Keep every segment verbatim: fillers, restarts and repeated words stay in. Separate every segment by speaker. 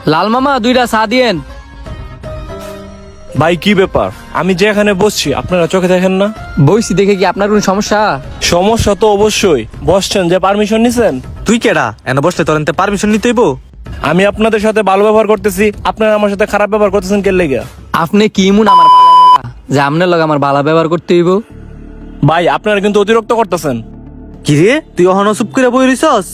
Speaker 1: লাল মামা দুইটা চা দিয়েন।
Speaker 2: ভাই কি ব্যাপার, আমি যে এখানে বসছি আপনারা চোখে দেখেন না?
Speaker 1: বইছি দেখে কি আপনার কোনো সমস্যা?
Speaker 2: সমস্যা তো অবশ্যই। বসছেন যে পারমিশন নিছেন?
Speaker 3: তুই কেডা এনে বসলে তোর এনতে পারমিশন নিতে হইব?
Speaker 2: আমি আপনাদের সাথে ভালো ব্যবহার করতেছি, আপনারা আমার সাথে খারাপ ব্যবহার করতেছেন কে লেগে?
Speaker 1: আপনি কি মুন আমার বালা লাগা যে আপনার লগে আমার বালা ব্যবহার করতে হইব?
Speaker 2: ভাই আপনারা কিন্তু অতিরিক্ত করতেছেন।
Speaker 3: কি রে তুই অহনো চুপ করে বই রইছস?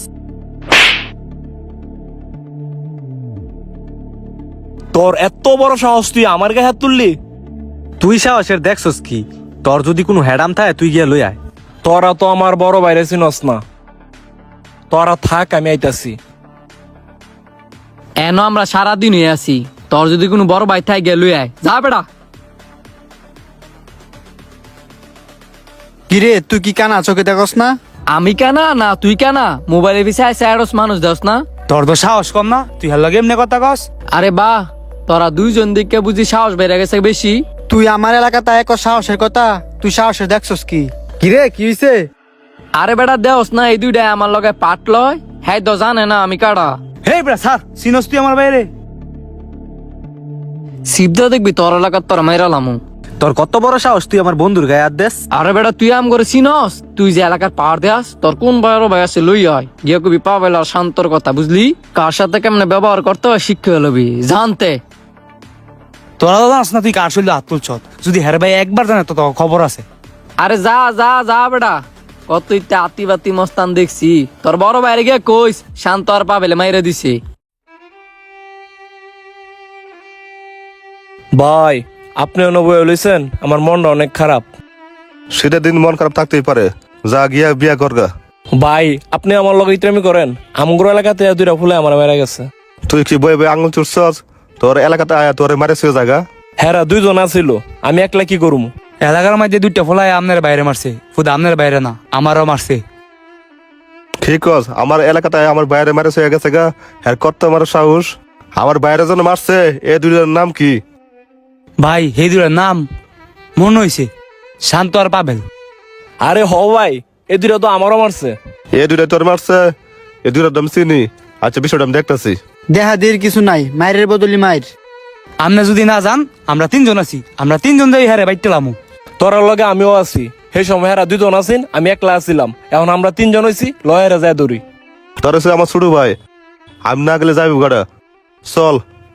Speaker 2: তোর এত বড় সাহস, তুই আমার গায়ে হাত তুললি?
Speaker 3: তুই সাহসের দেখছস কি? তোর যদি কোনো হেডাম থাকে তুই গিয়া লই আয়।
Speaker 2: তোরা তো আমার বড় বাইরে চিনস না, তোরা থাক আমি আইতাছি।
Speaker 1: এন আমরা সারাদিন হয়ে আছি, তোর যদি কোনো বড় ভাই থাকে গেল আয়, যা বেটা।
Speaker 4: কিরে তুই কি কানা চোখে দেখস না?
Speaker 1: আমি কেনা না তুই কেনা? মোবাইলের পিছিয়ে আইসা এরস মানুষ দেস না?
Speaker 4: তোর তো সাহস কম না, তুই হার লগে এমনি কথা কস?
Speaker 1: আরে বাহ, তোরা দুইজন দিকে বুঝি সাহস বেড়ে গেছে বেশি।
Speaker 4: তুই আমার এলাকাতে এক সাহসের কথা, তুই সাহসের দেখছস কি? কিরে কি হইছে?
Speaker 1: আরে বেটা দেওস না, এই দুইটাই আমার লগে পাট লয়, হ্যাঁ তো জানে না আমি কারা।
Speaker 4: হে ব্রা স্যার, চিনস তুই আমার বাইরে?
Speaker 1: সিদ্ধ দেখবি তোর এলাকার তোর মাইরালামু।
Speaker 3: তোর কত বড় সাহস তুই আমার বন্ধুর গায়ে হাত দেস?
Speaker 1: আরে বেটা তুই আম করে চিনস? তুই যে এলাকার পাওয়ার দেয়াস, তোর কোন বড় ভাই আছে লই হয় গিয়ে কবি পাবেল আর শান্তর কথা বুঝলি? কার সাথে কেমনে ব্যবহার করতে হয় শিক্ষা লবি জানতে।
Speaker 4: তোরা তো জানাস না তুই কার শরীরে হাত তুলছ? যদি হের ভাই একবার জানে তো তোর খবর আছে।
Speaker 1: আরে যা যা যা বেটা, কত ইত্যা আতি বাতি মস্তান দেখছি। তোর বড় বাইরে গিয়ে কইস শান্ত আর পাবেলে মাইরে দিছে।
Speaker 2: ভাই আপনি অনুভব লইছেন, আমার মনটা অনেক খারাপ।
Speaker 5: সেটা দিন মন খারাপ থাকতেই পারে, যা গিয়া বিয়া করগা।
Speaker 2: ভাই আপনি আমার লগে ইত্রামি করেন, আমগুর এলাকাতে দুইটা ফুলে আমার মেরা গেছে।
Speaker 5: তুই কি বই বই আঙুল চুরছস? তোর এলাকাতে আয়া তোর মারে শুয়ে জায়গা।
Speaker 2: হ্যাঁ দুইজন আছিল, আমি একলা কি করুম?
Speaker 4: এলাকার মধ্যে দুইটা ফোলায় আমনের বাইরে মারছে, শুধু আমনের বাইরে না আমারও মারছে।
Speaker 5: ঠিক আছে, আমার এলাকাতে আয়া আমার বাইরে মারে শুয়ে গেছে গা। হ্যাঁ কত আমার সাহস, আমার বাইরে জন মারছে। এ দুইটার নাম কি?
Speaker 4: ভাই সেই দুটার নাম মনে হইছে শান্ত আর পাবেল।
Speaker 2: আরে হ ভাই, এ দুইটা তো আমারও মারছে।
Speaker 5: এ দুইটা তোর মারছে, এ দুইটার দাম চিনি। আচ্ছা বিষয়টা আমি দেখতেছি।
Speaker 6: দেখা দের কিছু নাই, মায়ের বদলি মায়ের।
Speaker 4: আপনি যদি না যান, আমরা তিনজন আছি, আমরা তিনজন যাই হারে বাইতেলামু।
Speaker 2: তোর লগে আমিও আছি। সেই সময় হেরা দুইজন আছেন, আমি একলা আছিলাম। এখন আমরা তিনজন হইছি, লয়েরা যায় দৌড়ি।
Speaker 5: তোর হচ্ছে আমার ছোট ভাই, আমি না গেলে যাবি গাড়া। চল।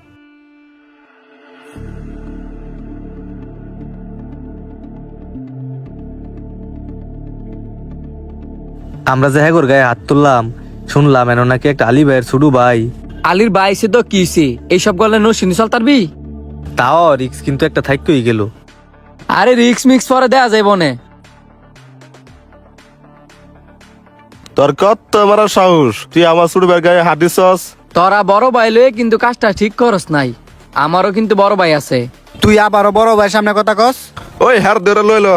Speaker 3: আমরা যে হ্যাগোর গায়ে হাত তুললাম, শুনলাম এন নাকি একটা আলী ভাইয়ের ছোট ভাই।
Speaker 1: আলির বাইসে তো কিছে এইসব গলে নো শুনি চল তারবি।
Speaker 3: তাও রিক্স কিন্তু একটা থাইকই গেল।
Speaker 1: আরে রিক্স মিক্স পরে দেয়া যাইব না।
Speaker 5: তোর কত আমার সাহস, তুই আমার ছোট ভাইয়ের গায়ে হাত দিছস?
Speaker 1: তোরা বড় ভাই লয়ে কিন্তু কাজটা ঠিক করস নাই। আমারও কিন্তু বড় ভাই আছে।
Speaker 6: তুই আবারও বড় ভাইয়ের সামনে কথা কস?
Speaker 5: ওই হার ধরে লইল।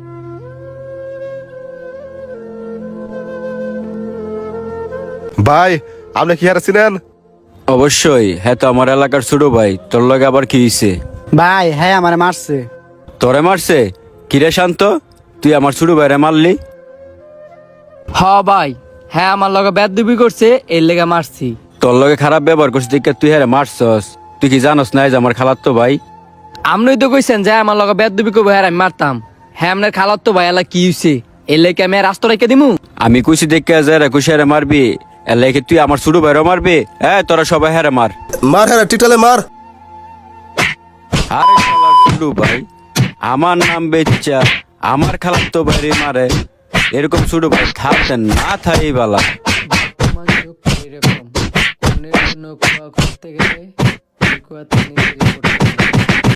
Speaker 5: ভাই আপনি কি হারছিলেন?
Speaker 7: অবশ্যই, হ্যাঁ তো আমার এলাকার ছোট ভাই। তোর লগে আবার কি হইছে?
Speaker 6: ভাই হ্যাঁ আমারে মারছে।
Speaker 7: তোরে মারছে? কিরে শান্ত, তুই আমার ছোট ভাইরে মারলি?
Speaker 1: হ ভাই, হ্যাঁ আমার লগে বেদবি করছে, এর লেগে মারছি।
Speaker 7: তোর লগে খারাপ ব্যবহার করছিস দেখে তুই হ্যাঁ মারছস? তুই কি জানোস না যে আমার খালাতো ভাই?
Speaker 1: আমরাই তো কইছেন যে আমার লগে বেদবি করবো, হ্যাঁ আমি মারতাম। হ্যাঁ আপনার খালার তো ভাই এলা কি হইছে, এর লেগে আমি রাস্তা রেখে দিমু?
Speaker 7: আমি কুচি দেখে যাই কুচি হারে মারবি, এর লাগে তুই আমার ছোট ভাইরও মারবি? হ্যাঁ তোরা সবাই হ্যাঁ মার।
Speaker 5: মার হ্যাঁ টিটালে মার।
Speaker 7: আরে শালার ছোট ভাই, আমার নাম বেচ্চা আমার খালাতো ভাইরে মারে? এরকম ছোট ভাই থাকতেন না থাই বালা।
Speaker 1: এরকম করতে গেলে